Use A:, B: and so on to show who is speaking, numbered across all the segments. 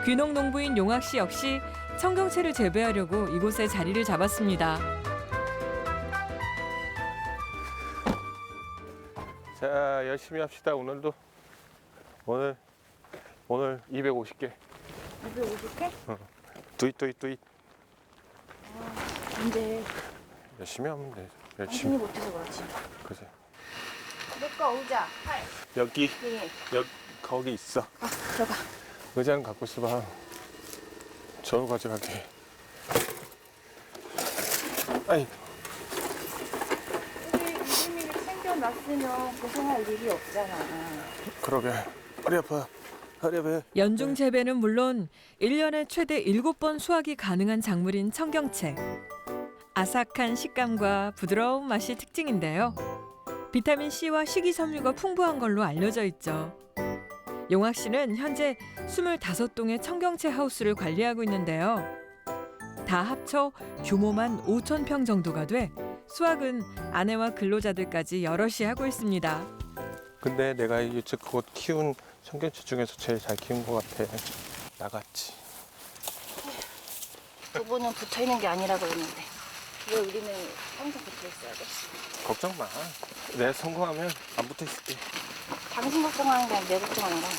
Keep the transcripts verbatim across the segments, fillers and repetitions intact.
A: 귀농 농부인 용학 씨 역시 청경채를 재배하려고 이곳에 자리를 잡았습니다.
B: 자, 열심히 합시다. 오늘도 오늘 오늘 이백오십 개.
C: 이백오십 개?
B: 어. 뚜잇 뚜잇 뚜잇.
C: 아, 이제
B: 열심히 하면 돼.
C: 당신이
B: 열심히.
C: 못해서 그렇지.
B: 그지.
C: 내거 의자, 팔.
B: 여기
C: 네.
B: 여기 거기 있어.
C: 아, 들어가.
B: 의자는 갖고 있어봐. 저로 가져갈게. 아이,
C: 우리 이름이를 챙겨놨으면 고생할 일이 없잖아.
B: 그러게. 허리 아파. 허리 아파.
A: 연중 재배는 물론 일 년에 최대 일곱 번 수확이 가능한 작물인 청경채. 아삭한 식감과 부드러운 맛이 특징인데요. 비타민 C와 식이섬유가 풍부한 걸로 알려져 있죠. 용학 씨는 현재 스물다섯 동의 청경채 하우스를 관리하고 있는데요. 다 합쳐 규모만 오천 평 정도가 돼 수확은 아내와 근로자들까지 여럿이 하고 있습니다.
B: 근데 내가 여태껏 키운 청경채 중에서 제일 잘 키운 것 같아. 나갔지.
C: 두 분은 붙어 있는 게 아니라 그러는데 왜 우리는 항상 붙어 있어야 돼?
B: 걱정 마. 내가 성공하면 안 붙어 있을게.
C: 당신 걱정하는 게 아니라 내 걱정하는 거야.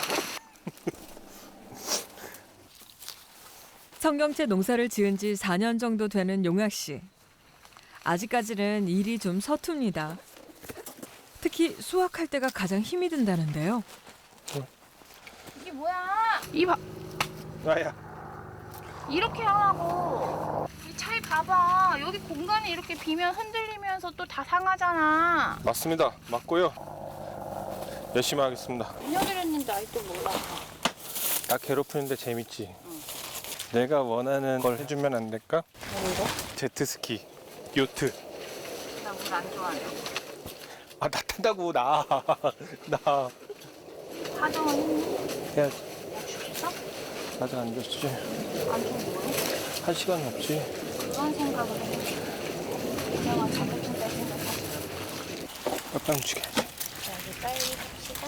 A: 청경채 농사를 지은 지 사 년 정도 되는 용학 씨. 아직까지는 일이 좀 서툽니다. 특히 수확할 때가 가장 힘이 든다는데요.
C: 이게 뭐야? 이봐.
B: 아야.
C: 이렇게 하라고. 이 차에 봐봐. 여기 공간이 이렇게 비면 흔들리면서 또 다 상하잖아.
B: 맞습니다. 맞고요. 열심히 하겠습니다.
C: 몇 년을 했는데 아직도 몰라.
B: 나 괴롭히는데 재밌지?
C: 응.
B: 내가 원하는 걸 해주면 안 될까?
C: 뭔데?
B: 제트스키, 요트.
C: 나 물 안 좋아해.
B: 아, 나 탄다고, 나. 나.
C: 사정은 했니?
B: 해야지.
C: 약속했어?
B: 아직 안 줬지.
C: 안 좀 뭐해?
B: 할 시간이 없지.
C: 그런 생각을 해. 그냥 자격증 딸 생각하지.
B: 빨리 움직여야지.
C: 자, 이제 빨리 합시다.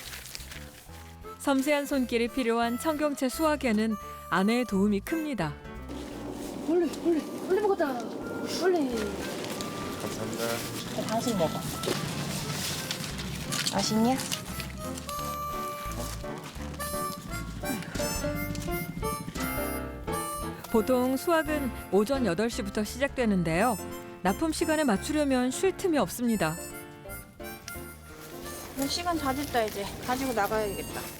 A: 섬세한 손길이 필요한 청경채 수확에는 아내의 도움이 큽니다.
C: 얼른, 얼른, 얼른 먹었다. 얼른.
B: 감사합니다.
C: 자, 당신 먹어. 맛있냐?
A: 보통 수확은 오전 여덟 시부터 시작되는데요. 납품 시간에 맞추려면 쉴 틈이 없습니다.
C: 시간 다 됐다 이제. 가지고 나가야겠다.